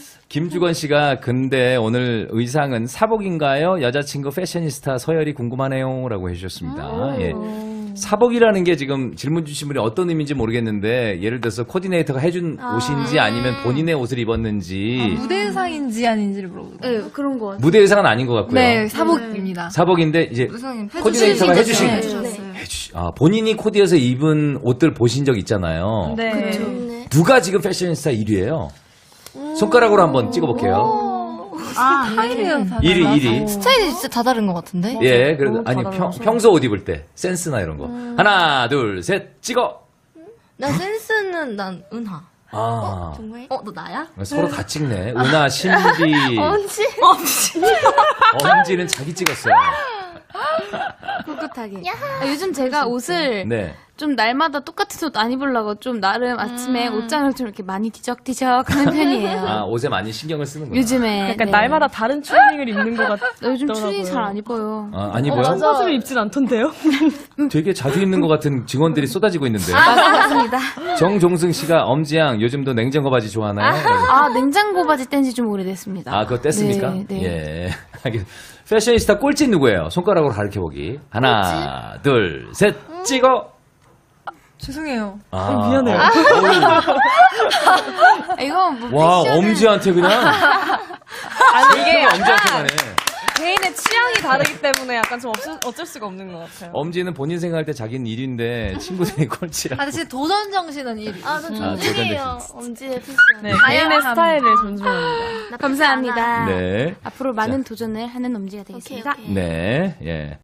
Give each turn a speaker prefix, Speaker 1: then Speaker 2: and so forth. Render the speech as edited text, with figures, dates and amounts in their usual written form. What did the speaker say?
Speaker 1: 김주건 씨가 근데 오늘 의상은 사복인가요? 여자친구 패셔니스타 서열이 궁금하네요. 라고 해주셨습니다. 예. 사복이라는 게 지금 질문 주신 분이 어떤 의미인지 모르겠는데 예를 들어서 코디네이터가 해준 옷인지 아니면 본인의 옷을 입었는지
Speaker 2: 무대 의상인지 아닌지를 물어보세요.
Speaker 3: 네, 그런 거 같아요.
Speaker 1: 무대 의상은 아닌 것 같고요.
Speaker 2: 네, 사복입니다.
Speaker 1: 사복인데 이제 코디네이터가 해주신 본인이 코디해서 입은 옷들 보신 적 있잖아요.
Speaker 2: 네.
Speaker 3: 네.
Speaker 1: 누가 지금 패셔니스타 1위예요? 손가락으로 한번 찍어볼게요.
Speaker 2: 스타일은 다
Speaker 1: 1위.
Speaker 4: 스타일이 진짜 다 다른 것 같은데?
Speaker 1: 예, 그래도 아니 평소 옷 입을 때 센스나 이런 거. 하나, 둘, 셋, 찍어.
Speaker 4: 나 센스는 난 은하.
Speaker 1: 아,
Speaker 3: 정말?
Speaker 4: 너 나야?
Speaker 1: 서로 다 찍네. 은하, 신비,
Speaker 4: 언지?
Speaker 1: 엄지는 자기 찍었어요.
Speaker 3: 꿋꿋하게. 요즘 제가 옷을
Speaker 1: 네.
Speaker 3: 좀 날마다 똑같은 옷 안 입으려고 좀 나름 아침에 옷장을 좀 이렇게 많이 뒤적뒤적 하는 편이에요.
Speaker 1: 아, 옷에 많이 신경을 쓰는구나.
Speaker 3: 요즘에.
Speaker 5: 약간
Speaker 3: 네.
Speaker 5: 날마다 다른 추리닝을 입는 것 같더라고요.
Speaker 3: 요즘 추리 잘 안 입어요.
Speaker 1: 아, 안 입어요?
Speaker 5: 청바지를 입진 않던데요?
Speaker 1: 되게 자주 입는 것 같은 직원들이 쏟아지고 있는데.
Speaker 3: 맞습니다.
Speaker 1: 정종승 씨가 엄지양 요즘도 냉장고 바지 좋아하나요?
Speaker 3: 아, 냉장고 바지 뗀 지 좀 오래됐습니다.
Speaker 1: 아, 그거 뗐습니까?
Speaker 3: 네, 네.
Speaker 1: 예. 패셔니스타 꼴찌 누구예요? 손가락으로 가르쳐보기. 하나, 둘, 셋, 찍어!
Speaker 2: 죄송해요.
Speaker 1: 아,
Speaker 5: 미안해요.
Speaker 3: 이거 뭐
Speaker 1: 와,
Speaker 3: 패션을-
Speaker 1: 엄지한테 그냥.
Speaker 5: 아니, 이게
Speaker 1: 엄지한테 가네.
Speaker 5: 개인의 취향이 다르기 때문에 약간 좀 어쩔 수가 없는 것 같아요.
Speaker 1: 엄지는 본인 생각할 때 자기는 1위인데 친구들이 꼴찌라.
Speaker 2: 아, 근데 도전 정신은 1위.
Speaker 3: 아, 저
Speaker 1: 도전
Speaker 3: 존중해요. 엄지의 패션.
Speaker 5: 네, 개인의 스타일을 존중합니다.
Speaker 3: 감사합니다.
Speaker 1: 네.
Speaker 3: 앞으로 많은 도전을 하는 엄지가 되겠습니다.
Speaker 1: 네, 예.